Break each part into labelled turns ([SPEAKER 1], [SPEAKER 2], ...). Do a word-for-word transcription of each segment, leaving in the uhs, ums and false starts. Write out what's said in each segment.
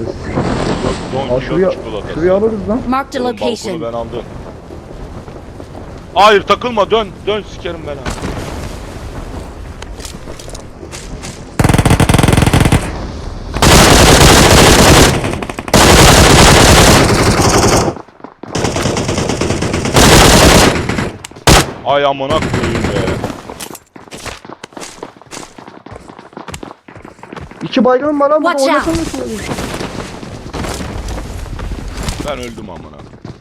[SPEAKER 1] çikolatası.
[SPEAKER 2] Don
[SPEAKER 1] Aa, şuraya,
[SPEAKER 2] Kişot çikolatası.
[SPEAKER 1] şuraya alırız lan.
[SPEAKER 3] Marked a
[SPEAKER 2] Oğlum, balkonu
[SPEAKER 3] location.
[SPEAKER 2] ben aldım. Hayır takılma, dön. Dön sikerim ben ha. Ay amına koyayım be.
[SPEAKER 1] İki baygın var lan burada,
[SPEAKER 3] Watch out.
[SPEAKER 1] oynasana.
[SPEAKER 2] Ben öldüm amına.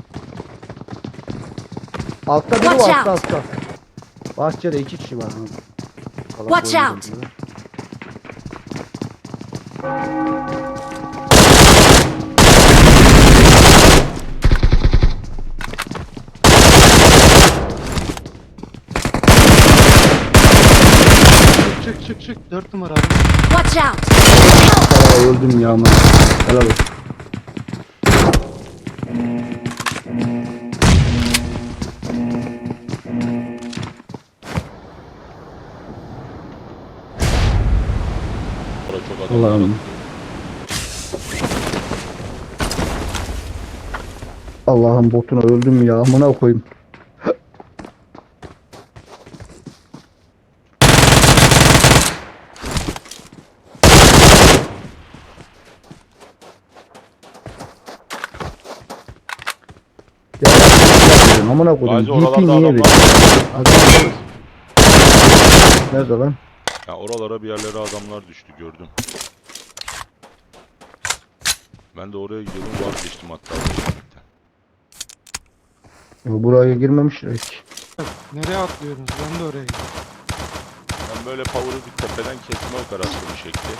[SPEAKER 1] Altta biri
[SPEAKER 3] Watch
[SPEAKER 1] var,
[SPEAKER 3] out.
[SPEAKER 1] altta altta. Bahçede iki kişi var. Kalan
[SPEAKER 3] Watch
[SPEAKER 1] boyunca
[SPEAKER 3] out.
[SPEAKER 1] diyor.
[SPEAKER 4] Çık çık çık. Dört numara.
[SPEAKER 3] Watch out!
[SPEAKER 1] Aa, öldüm ya aman. Helal olsun.
[SPEAKER 2] Orada çok adam var.
[SPEAKER 1] Allah'ım. Allah'ım botuna öldüm ya amına koyayım. Ya amına koyayım.
[SPEAKER 2] Gazi oralarda
[SPEAKER 1] D P niye
[SPEAKER 2] adam
[SPEAKER 1] veriyor?
[SPEAKER 2] var.
[SPEAKER 1] Adam nerede lan?
[SPEAKER 2] Ya oralara bir yerlere adamlar düştü, gördüm. Ben de oraya gidiyordum, vazgeçtim hatta.
[SPEAKER 1] Ya buraya girmemişler hiç.
[SPEAKER 4] Nereye atlıyorsunuz? Ben de oraya gidiyorum.
[SPEAKER 2] Ben böyle power'ı bir tepeden kesme operasyonu şekli.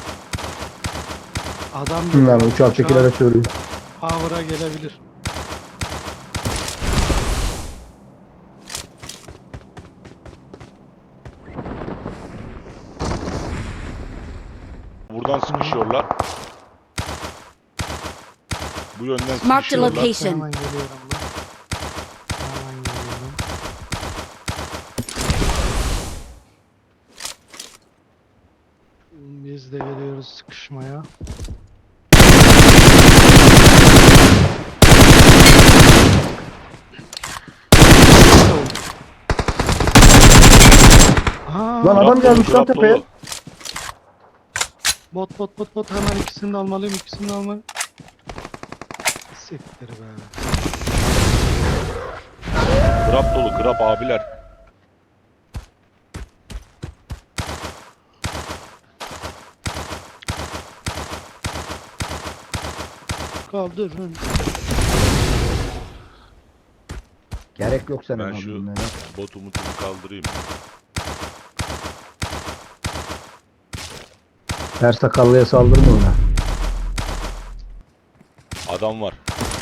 [SPEAKER 4] Adam
[SPEAKER 1] Bunlar uçak çekilere söylüyor.
[SPEAKER 4] Power'a gelebilir.
[SPEAKER 2] Buradan sıkışıyorlar. Bu yönden
[SPEAKER 3] Marked a
[SPEAKER 2] sıkışıyorlar.
[SPEAKER 3] location.
[SPEAKER 4] Hemen geliyorum lan. Hemen geliyorum. Biz de geliyoruz sıkışmaya. Aa,
[SPEAKER 1] Lan adam
[SPEAKER 2] Grab
[SPEAKER 1] gelmiş
[SPEAKER 2] dolu,
[SPEAKER 1] lan
[SPEAKER 2] grab
[SPEAKER 1] tepeye.
[SPEAKER 2] dolu.
[SPEAKER 4] bot bot bot bot hemen ikisini de almalıyım ikisini de almalıyım. Siktir be.
[SPEAKER 2] Grab dolu, grab abiler.
[SPEAKER 4] Kaldırın.
[SPEAKER 1] Gerek yok senin
[SPEAKER 2] Ben
[SPEAKER 1] abinin
[SPEAKER 2] şu
[SPEAKER 1] ya.
[SPEAKER 2] bot umutunu kaldırayım.
[SPEAKER 1] Her sakallıya saldırma ona.
[SPEAKER 2] Adam var.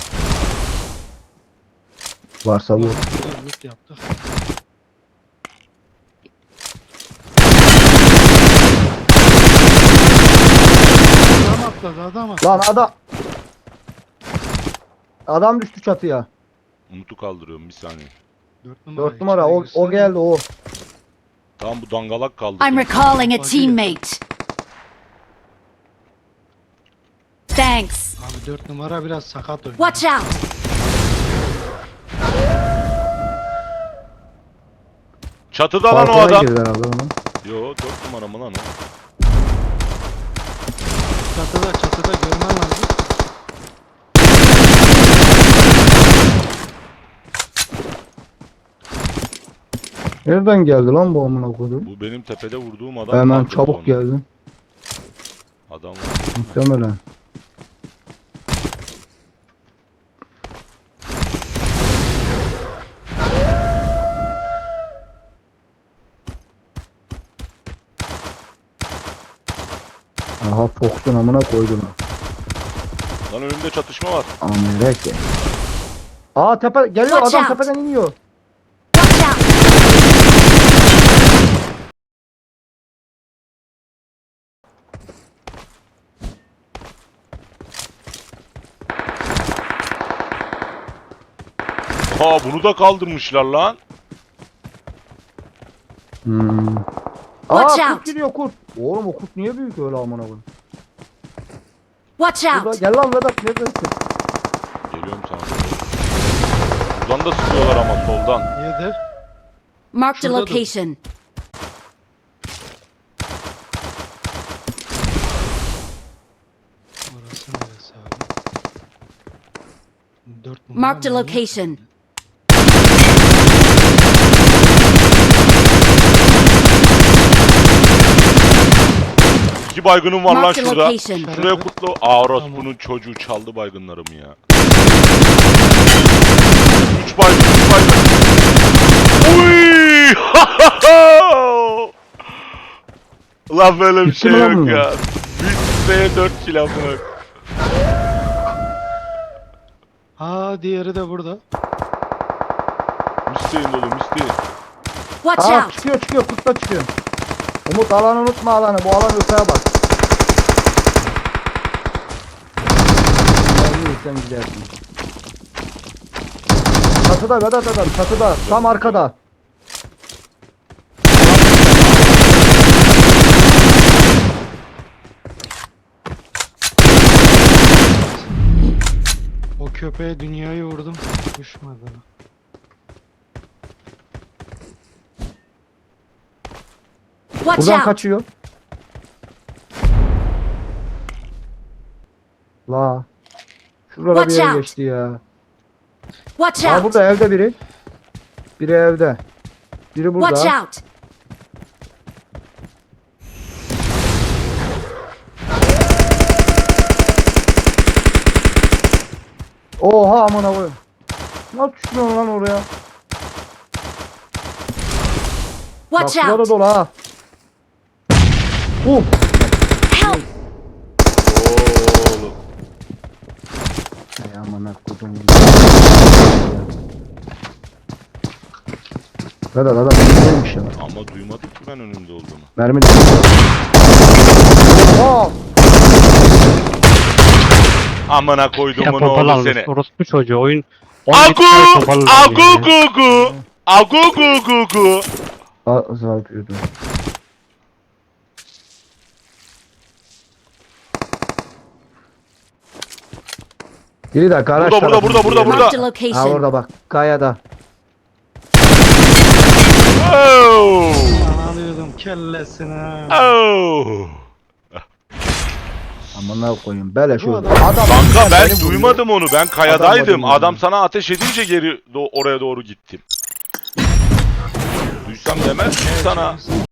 [SPEAKER 1] Varsa bu.
[SPEAKER 4] Loot yaptık. Adam atladı adam atladı.
[SPEAKER 1] Lan adam. Adam düştü çatıya.
[SPEAKER 2] Umut'u kaldırıyorum bir saniye.
[SPEAKER 4] Dört numara.
[SPEAKER 1] Dört numara o,
[SPEAKER 4] içeri
[SPEAKER 1] o geldi o.
[SPEAKER 2] Tamam bu dangalak kaldırdı.
[SPEAKER 3] I'm recalling a teammate. Thanks.
[SPEAKER 4] Abi dört numara biraz sakat oynuyor.
[SPEAKER 3] Watch out!
[SPEAKER 2] Çatıda lan o
[SPEAKER 1] Balkona
[SPEAKER 2] adam.
[SPEAKER 1] girdi herhalde onun.
[SPEAKER 2] Yo dört numara mı lan o?
[SPEAKER 4] Çatıda çatıda görmen lazım.
[SPEAKER 1] Nereden geldi lan bu amına koydum?
[SPEAKER 2] Bu benim tepede vurduğum adam.
[SPEAKER 1] Hemen
[SPEAKER 2] kaldırdı
[SPEAKER 1] çabuk
[SPEAKER 2] onu.
[SPEAKER 1] geldi.
[SPEAKER 2] Adam var.
[SPEAKER 1] Muhtemelen. Aha Fox'un amına koydum.
[SPEAKER 2] Lan önümde çatışma var.
[SPEAKER 1] Amerika. Aa tepe geliyor,
[SPEAKER 3] Watch
[SPEAKER 1] adam
[SPEAKER 3] out.
[SPEAKER 1] tepeden iniyor.
[SPEAKER 3] Watch out!
[SPEAKER 2] Ha bunu da kaldırmışlar lan.
[SPEAKER 1] Hmm.
[SPEAKER 3] Watch
[SPEAKER 1] Aa
[SPEAKER 3] out.
[SPEAKER 1] kurt gidiyor kurt. Oğlum o kurt niye büyük öyle amına koyayım?
[SPEAKER 3] Watch
[SPEAKER 1] Burada,
[SPEAKER 3] out!
[SPEAKER 1] gel lan Vedat neredesin?
[SPEAKER 2] Geliyorum sana. Buradan da sıkıyorlar ama soldan.
[SPEAKER 4] Yedi.
[SPEAKER 3] Marked a
[SPEAKER 4] Şurada dur.
[SPEAKER 3] location.
[SPEAKER 4] Orası neresi abi? Dört numara.
[SPEAKER 3] Marked a
[SPEAKER 4] manyak.
[SPEAKER 3] location.
[SPEAKER 2] İki baygınım var lan
[SPEAKER 3] Marked a
[SPEAKER 2] şurada.
[SPEAKER 3] location.
[SPEAKER 2] Şuraya kutlu. Aa orası
[SPEAKER 4] Tamam.
[SPEAKER 2] bunun çocuğu çaldı baygınlarımı ya. Üç baygın, üç baygın. Uy! Lan böyle bir
[SPEAKER 1] Bitti
[SPEAKER 2] şey
[SPEAKER 1] mi lan
[SPEAKER 2] yok
[SPEAKER 1] bu?
[SPEAKER 2] ya. Bir spreye dört kill amına.
[SPEAKER 4] Aa diğeri de burada.
[SPEAKER 2] Misteyin dolu misteyin.
[SPEAKER 3] Watch
[SPEAKER 1] Aa
[SPEAKER 3] out!
[SPEAKER 1] çıkıyor çıkıyor kutla çıkıyor. Umut alanı unutma alanı. Bu alan öteye bak. Sen sen gidersin. Çatıda Vedat adam çatıda. Tam arkada.
[SPEAKER 4] O köpeğe dünyayı vurdum. Düşmedi.
[SPEAKER 3] Watch
[SPEAKER 1] Buradan
[SPEAKER 3] out!
[SPEAKER 1] kaçıyor. La. Şurada bir
[SPEAKER 3] Watch
[SPEAKER 1] yere
[SPEAKER 3] out.
[SPEAKER 1] geçti ya.
[SPEAKER 3] Watch
[SPEAKER 1] Aa
[SPEAKER 3] out!
[SPEAKER 1] burada evde biri. Biri evde. Biri burada.
[SPEAKER 3] Watch out!
[SPEAKER 1] Oha amına koyayım. Nasıl düşmüyorsun lan oraya? Bak
[SPEAKER 3] Watch
[SPEAKER 1] şurada
[SPEAKER 3] out!
[SPEAKER 1] dolu ha. Uh.
[SPEAKER 3] Help!
[SPEAKER 2] Oğlum.
[SPEAKER 1] Ay amına koydum. Vedat adam neymiş ya?
[SPEAKER 2] Ama duymadık ki ben önümde olduğunu.
[SPEAKER 1] Mermi de. Oha.
[SPEAKER 2] Amına
[SPEAKER 5] Ya
[SPEAKER 2] koyduğumun
[SPEAKER 5] topal
[SPEAKER 2] oğlu
[SPEAKER 5] almış
[SPEAKER 2] seni.
[SPEAKER 5] orospu çocuğu oyun on yedi
[SPEAKER 2] Agu!
[SPEAKER 5] tane topal almış
[SPEAKER 2] Agu
[SPEAKER 5] ya.
[SPEAKER 2] gu gu! Agu gu gu gu!
[SPEAKER 1] Aa zarpıyordu. Biri de garaj
[SPEAKER 2] Burada, burada,
[SPEAKER 1] tarafında.
[SPEAKER 2] burada, burada, burada.
[SPEAKER 3] Marked a
[SPEAKER 1] Ha
[SPEAKER 3] location.
[SPEAKER 1] orada bak. Kayada.
[SPEAKER 2] Oh!
[SPEAKER 4] Lan alıyordum kellesine.
[SPEAKER 2] Oh!
[SPEAKER 1] Amına koyayım. Böyle şu.
[SPEAKER 4] Bu
[SPEAKER 1] Adam.
[SPEAKER 4] adam-
[SPEAKER 2] Kanka ben
[SPEAKER 1] beni vuruyor.
[SPEAKER 2] duymadım onu. Ben kayadaydım.
[SPEAKER 1] Adam
[SPEAKER 2] Adam sana ateş edince geri do- oraya doğru gittim. Duysam demez miyim sana?